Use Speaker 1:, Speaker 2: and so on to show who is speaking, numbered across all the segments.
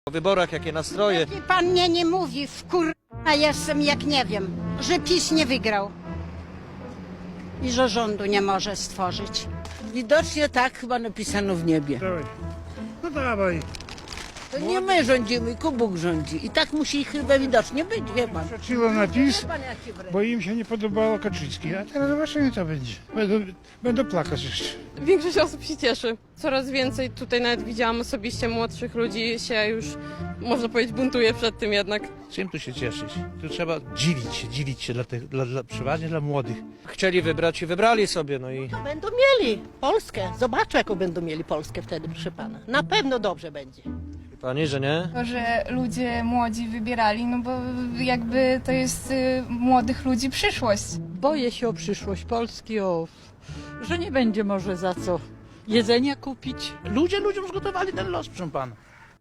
Speaker 1: Po wyborach jakie nastroje?
Speaker 2: Pan mnie nie mówi, a jestem jak nie wiem, że PiS nie wygrał i że rządu nie może stworzyć.
Speaker 3: Widocznie tak chyba napisano w niebie.
Speaker 4: Dawaj. No dawaj.
Speaker 3: To nie my rządzimy, tylko Bóg rządzi. I tak musi chyba widocznie być, wie pan.
Speaker 4: Przeciło na PiS,
Speaker 3: Wie pan, jaki wręcz.
Speaker 4: bo im się nie podobało Kaczyński. A teraz zobaczymy, co będzie. Będą plakać jeszcze.
Speaker 5: Większość osób się cieszy. Coraz więcej tutaj nawet widziałam osobiście młodszych ludzi się już, można powiedzieć, buntuje przed tym jednak.
Speaker 6: Czym tu się cieszyć? Tu trzeba dzielić się przeważnie dla młodych.
Speaker 1: Chcieli wybrać i wybrali sobie, no i
Speaker 7: Będą mieli Polskę. Zobaczę, jaką będą mieli Polskę wtedy, proszę pana. Na pewno dobrze będzie.
Speaker 1: pani, że nie?
Speaker 8: To, że ludzie młodzi wybierali, no bo jakby to jest młodych ludzi przyszłość.
Speaker 9: Boję się o przyszłość Polski, że nie będzie może za co jedzenia kupić.
Speaker 6: Ludzie ludziom zgotowali ten los, proszę pana.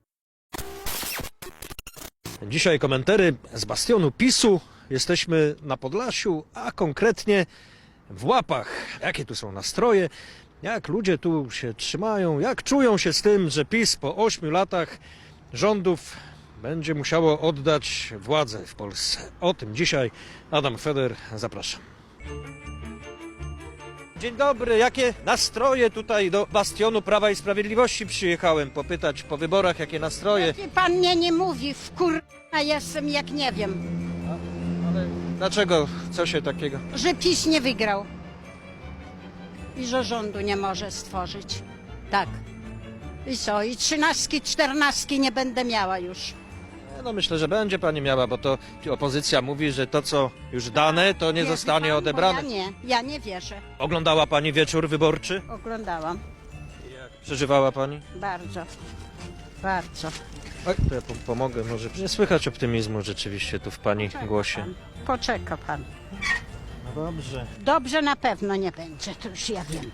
Speaker 1: Dzisiaj komentary z bastionu PiS-u. Jesteśmy na Podlasiu, a konkretnie w Łapach. Jakie tu są nastroje? Jak ludzie tu się trzymają? Jak czują się z tym, że PiS po 8 latach rządów będzie musiało oddać władzę w Polsce? O tym dzisiaj Adam Feder, zapraszam. Dzień dobry, jakie nastroje tutaj do bastionu Prawa i Sprawiedliwości przyjechałem popytać po wyborach, jakie nastroje?
Speaker 2: Pan mnie nie mówi, a jestem jak nie wiem,
Speaker 1: Dlaczego? Co się takiego?
Speaker 2: że PiS nie wygrał i że rządu nie może stworzyć. Tak. I co? I 13, 14 nie będę miała już.
Speaker 1: No myślę, że będzie pani miała, bo to opozycja mówi, że to co już dane, to nie
Speaker 2: Wie
Speaker 1: zostanie
Speaker 2: pan, bo
Speaker 1: odebrane.
Speaker 2: Ja nie wierzę.
Speaker 1: Oglądała pani wieczór wyborczy?
Speaker 2: Oglądałam.
Speaker 1: Przeżywała pani?
Speaker 2: Bardzo. Bardzo.
Speaker 1: Oj, to ja pomogę, może nie słychać optymizmu rzeczywiście tu w pani głosie.
Speaker 2: Poczeka pan.
Speaker 1: No dobrze.
Speaker 2: Dobrze na pewno nie będzie, to już ja wiem.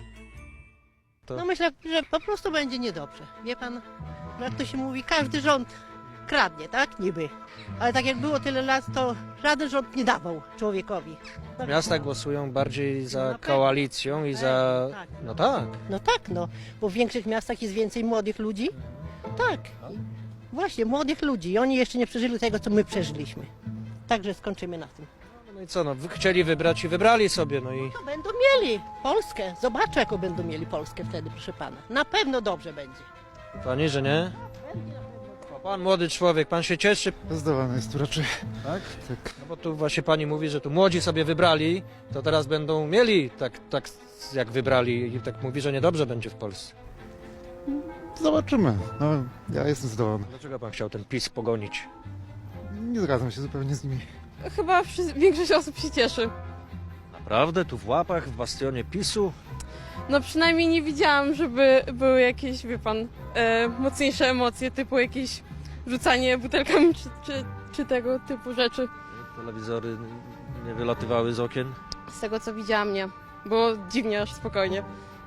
Speaker 7: No myślę, że po prostu będzie niedobrze. Wie pan, jak to się mówi, każdy rząd kradnie, tak? Niby. Ale tak jak było tyle lat, to żaden rząd nie dawał człowiekowi.
Speaker 1: Miasta głosują bardziej za
Speaker 7: No pewnie.
Speaker 1: koalicją i za...
Speaker 7: Tak.
Speaker 1: No tak.
Speaker 7: No tak, no. Bo w większych miastach jest więcej młodych ludzi. Tak. Właśnie, młodych ludzi. I oni jeszcze nie przeżyli tego, co my przeżyliśmy. Także skończymy na tym.
Speaker 1: No i co, no chcieli wybrać i wybrali sobie, no i...
Speaker 7: To będą mieli Polskę. Zobaczę, jaką będą mieli Polskę wtedy, proszę pana. Na pewno dobrze będzie.
Speaker 1: Pani, że nie? O, pan młody człowiek, pan się cieszy?
Speaker 4: Zdawane jest tu raczej.
Speaker 1: Tak?
Speaker 4: Tak.
Speaker 1: No bo tu właśnie pani mówi, że tu młodzi sobie wybrali, to teraz będą mieli tak jak wybrali i tak mówi, że niedobrze będzie w Polsce.
Speaker 10: Zobaczymy. No, ja jestem zadowolony.
Speaker 1: Dlaczego pan chciał ten PiS pogonić?
Speaker 10: Nie zgadzam się zupełnie z nimi.
Speaker 5: Chyba większość osób się cieszy.
Speaker 1: Naprawdę? Tu w Łapach, w bastionie PiS-u?
Speaker 5: No przynajmniej nie widziałam, żeby były jakieś, wie pan, mocniejsze emocje, typu jakieś rzucanie butelkami czy tego typu rzeczy.
Speaker 1: Telewizory nie wylatywały z okien?
Speaker 5: Z tego co widziałam, nie. Było dziwnie, aż spokojnie.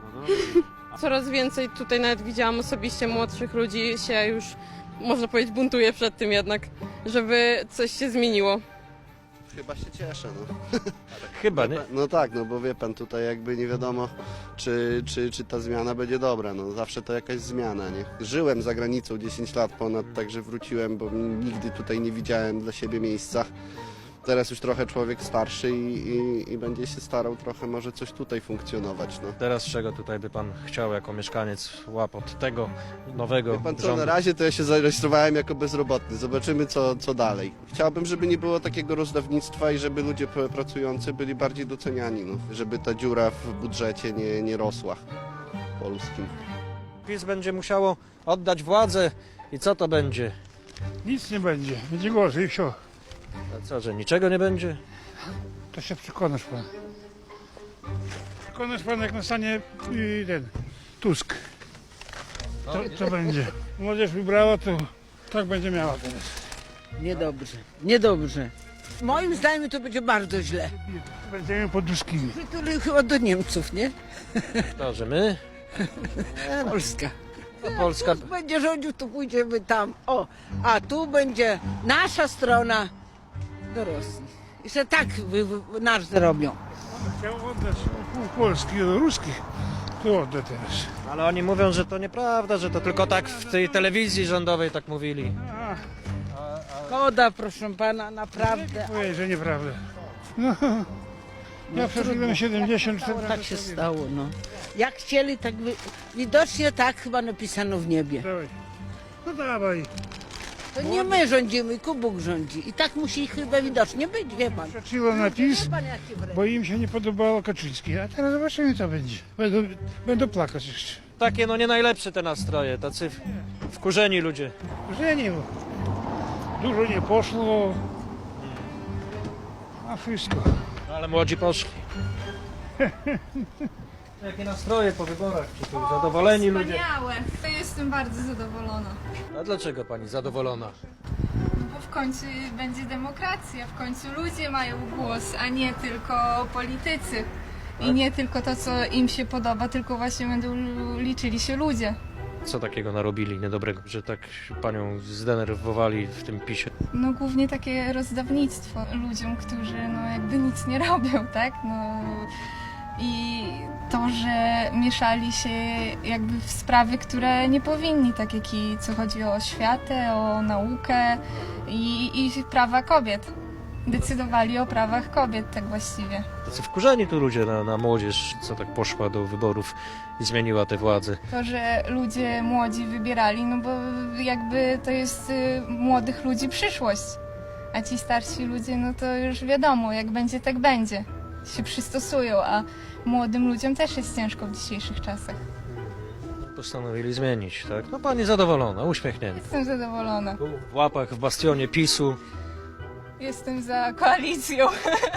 Speaker 5: Coraz więcej tutaj nawet widziałam osobiście młodszych ludzi się już, można powiedzieć, buntuje przed tym jednak, żeby coś się zmieniło.
Speaker 11: Chyba się cieszę, no.
Speaker 1: Chyba, nie?
Speaker 11: No tak, no bo wie pan, tutaj jakby nie wiadomo, czy ta zmiana będzie dobra, no zawsze to jakaś zmiana, nie? Żyłem za granicą 10 lat ponad, także wróciłem, bo nigdy tutaj nie widziałem dla siebie miejsca. Teraz już trochę człowiek starszy i będzie się starał trochę może coś tutaj funkcjonować, no.
Speaker 1: Teraz czego tutaj by pan chciał jako mieszkaniec Łap od tego nowego
Speaker 11: Wie pan co,
Speaker 1: rządu?
Speaker 11: na razie to ja się zarejestrowałem jako bezrobotny. Zobaczymy co dalej. Chciałbym, żeby nie było takiego rozdawnictwa i żeby ludzie pracujący byli bardziej doceniani, no. Żeby ta dziura w budżecie nie rosła polskim.
Speaker 1: PiS będzie musiało oddać władzę i co to będzie?
Speaker 4: Nic nie będzie. Będzie gorzej i wsio.
Speaker 1: A co, że niczego nie będzie?
Speaker 4: To się przekonasz pan. Przekonasz pan, jak nastanie ten Tusk. To będzie. Młodzież wybrała, to tak będzie miała teraz.
Speaker 3: Niedobrze, niedobrze. Moim zdaniem to będzie bardzo źle.
Speaker 4: Będziemy poduskimi.
Speaker 3: Przytuli chyba do Niemców, nie?
Speaker 1: To, że my?
Speaker 3: Polska.
Speaker 1: A Polska...
Speaker 3: Tusk będzie rządził, to pójdziemy tam. O, a tu będzie nasza strona do Rosji. I że tak nasz zrobią.
Speaker 4: Chciał oddać pół Polski do ruskich. Tu odda teraz.
Speaker 1: Ale oni mówią, że to nieprawda, że to tylko tak w tej telewizji rządowej tak mówili.
Speaker 3: Szkoda, proszę pana, naprawdę.
Speaker 4: Ojej, że nieprawda. No, ja przeżyłem 74
Speaker 3: Tak się stało, no. Jak chcieli, tak widocznie tak chyba napisano w niebie.
Speaker 4: Dawaj. No dawaj.
Speaker 3: To nie my rządzimy, Bóg rządzi. I tak musi chyba widocznie być, wie pan.
Speaker 4: Przeczyło na PiS,
Speaker 3: Wie pan, jaki wręcz.
Speaker 4: bo im się nie podobało Kaczyński. A teraz zobaczymy, co będzie. Będą plakać jeszcze.
Speaker 1: Takie no nie najlepsze te nastroje, tacy wkurzeni ludzie.
Speaker 4: Że nie, bo dużo nie poszło. A wszystko.
Speaker 1: No, ale młodzi poszli. Jakie nastroje po wyborach? Czy tu zadowoleni ludzie?
Speaker 8: Wspaniałe. To jestem bardzo zadowolona.
Speaker 1: A dlaczego pani zadowolona?
Speaker 8: Bo w końcu będzie demokracja, w końcu ludzie mają głos, a nie tylko politycy. I nie tylko to, co im się podoba, tylko właśnie będą liczyli się ludzie.
Speaker 1: Co takiego narobili niedobrego, że tak panią zdenerwowali w tym PiSie?
Speaker 8: No głównie takie rozdawnictwo ludziom, którzy no jakby nic nie robią, tak? No i to, że mieszali się jakby w sprawy, które nie powinni, tak jak i co chodzi o oświatę, o naukę i prawa kobiet. Decydowali o prawach kobiet, tak właściwie.
Speaker 1: Tacy wkurzeni tu ludzie na młodzież, co tak poszła do wyborów i zmieniła tę władzę.
Speaker 8: To, że ludzie młodzi wybierali, no bo jakby to jest młodych ludzi przyszłość. A ci starsi ludzie, no to już wiadomo, jak będzie, tak będzie. Się przystosują, a młodym ludziom też jest ciężko w dzisiejszych czasach.
Speaker 1: Postanowili zmienić, tak? No pani zadowolona, uśmiechnięta.
Speaker 8: Jestem zadowolona.
Speaker 1: Tu w łapach, w bastionie PiSu.
Speaker 8: Jestem za koalicją.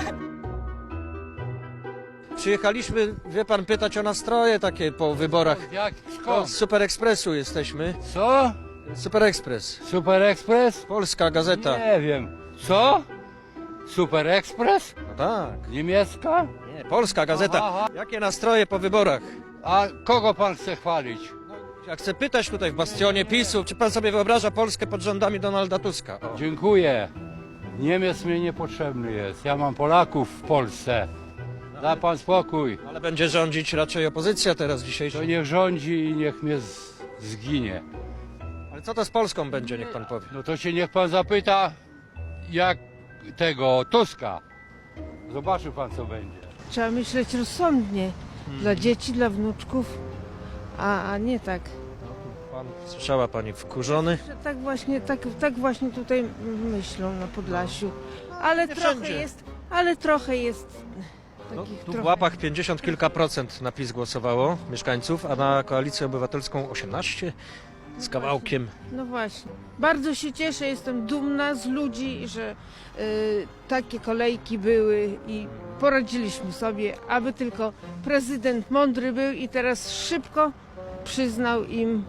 Speaker 1: Przyjechaliśmy, wie pan, pytać o nastroje takie po wyborach.
Speaker 6: Jak?
Speaker 1: To z Super Expressu jesteśmy.
Speaker 6: Co?
Speaker 1: Super Express,
Speaker 6: Super Express?
Speaker 1: polska gazeta.
Speaker 6: Nie wiem. Co? Super Express?
Speaker 1: No tak,
Speaker 6: Niemiecka?
Speaker 1: nie, polska gazeta.
Speaker 6: Aha.
Speaker 1: Jakie nastroje po wyborach?
Speaker 6: A kogo pan chce chwalić?
Speaker 1: Ja chcę pytać tutaj w bastionie PiSu, czy pan sobie wyobraża Polskę pod rządami Donalda Tuska? O.
Speaker 6: Dziękuję. Niemiec mi niepotrzebny jest. Ja mam Polaków w Polsce. Da pan spokój.
Speaker 1: Ale będzie rządzić raczej opozycja teraz
Speaker 6: To
Speaker 1: dzisiejsza.
Speaker 6: niech rządzi i niech mnie zginie.
Speaker 1: Ale co to z Polską będzie, niech pan powie.
Speaker 6: No to się niech pan zapyta, jak tego Tuska. Zobaczy pan, co będzie.
Speaker 3: Trzeba myśleć rozsądnie. Dla dzieci, dla wnuczków, a nie tak.
Speaker 1: Słyszała pani, wkurzony?
Speaker 3: Że tak właśnie tutaj myślą na Podlasiu. Ale
Speaker 1: Nie
Speaker 3: trochę
Speaker 1: wszędzie.
Speaker 3: jest
Speaker 1: No,
Speaker 3: takich
Speaker 1: tu w
Speaker 3: trochę.
Speaker 1: łapach 50 kilka procent na PiS głosowało mieszkańców, a na Koalicję Obywatelską 18 z kawałkiem.
Speaker 3: No właśnie. Bardzo się cieszę, jestem dumna z ludzi, że takie kolejki były i poradziliśmy sobie, aby tylko prezydent mądry był i teraz szybko przyznał im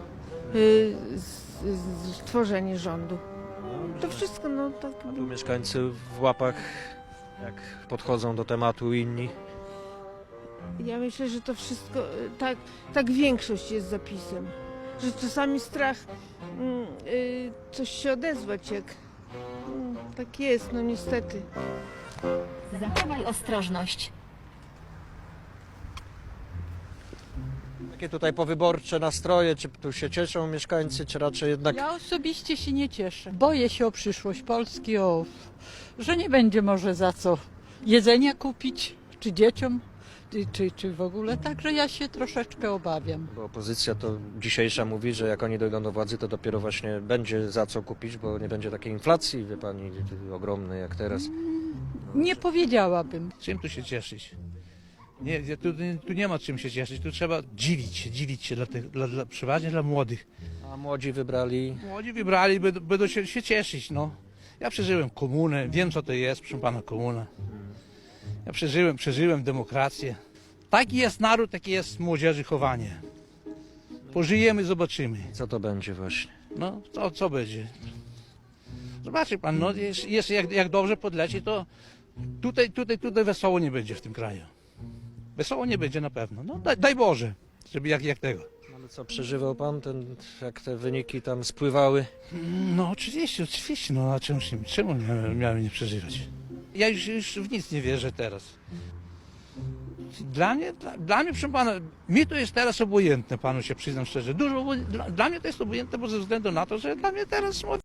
Speaker 3: stworzenie rządu. To wszystko, no tak.
Speaker 1: A tu mieszkańcy w łapach, jak podchodzą do tematu inni.
Speaker 3: Ja myślę, że to wszystko, tak większość jest zapisem. Że czasami strach coś się odezwać, jak tak jest, no niestety.
Speaker 12: Zachowaj ostrożność.
Speaker 1: Jakie tutaj powyborcze nastroje, czy tu się cieszą mieszkańcy, czy raczej jednak...
Speaker 9: Ja osobiście się nie cieszę. Boję się o przyszłość Polski, że nie będzie może za co jedzenia kupić, czy dzieciom, czy w ogóle. Także ja się troszeczkę obawiam.
Speaker 1: Bo opozycja to dzisiejsza mówi, że jak oni dojdą do władzy, to dopiero właśnie będzie za co kupić, bo nie będzie takiej inflacji, wie pani, ogromnej jak teraz.
Speaker 9: Nie powiedziałabym.
Speaker 6: Czym tu się cieszyć? Nie, tu nie ma czym się cieszyć, tu trzeba dzielić się przeważnie dla młodych.
Speaker 1: A młodzi wybrali...
Speaker 6: Młodzi wybrali, będą się cieszyć, no. Ja przeżyłem komunę, wiem co to jest, proszę pana, komuna. Ja przeżyłem demokrację. Taki jest naród, takie jest młodzieży chowanie. Pożyjemy, zobaczymy.
Speaker 1: Co to będzie właśnie?
Speaker 6: No, co będzie? Zobaczy pan, no, jeszcze jak dobrze podleci, to tutaj wesoło nie będzie w tym kraju. Wesoło nie będzie na pewno. No, daj Boże, żeby jak tego.
Speaker 1: Ale co, przeżywał pan, jak te wyniki tam spływały?
Speaker 6: No oczywiście, no a czemu miałem nie przeżywać? Ja już w nic nie wierzę teraz. Dla mnie, proszę pana, mi to jest teraz obojętne, panu się przyznam szczerze. Dla mnie to jest obojętne, bo ze względu na to, że dla mnie teraz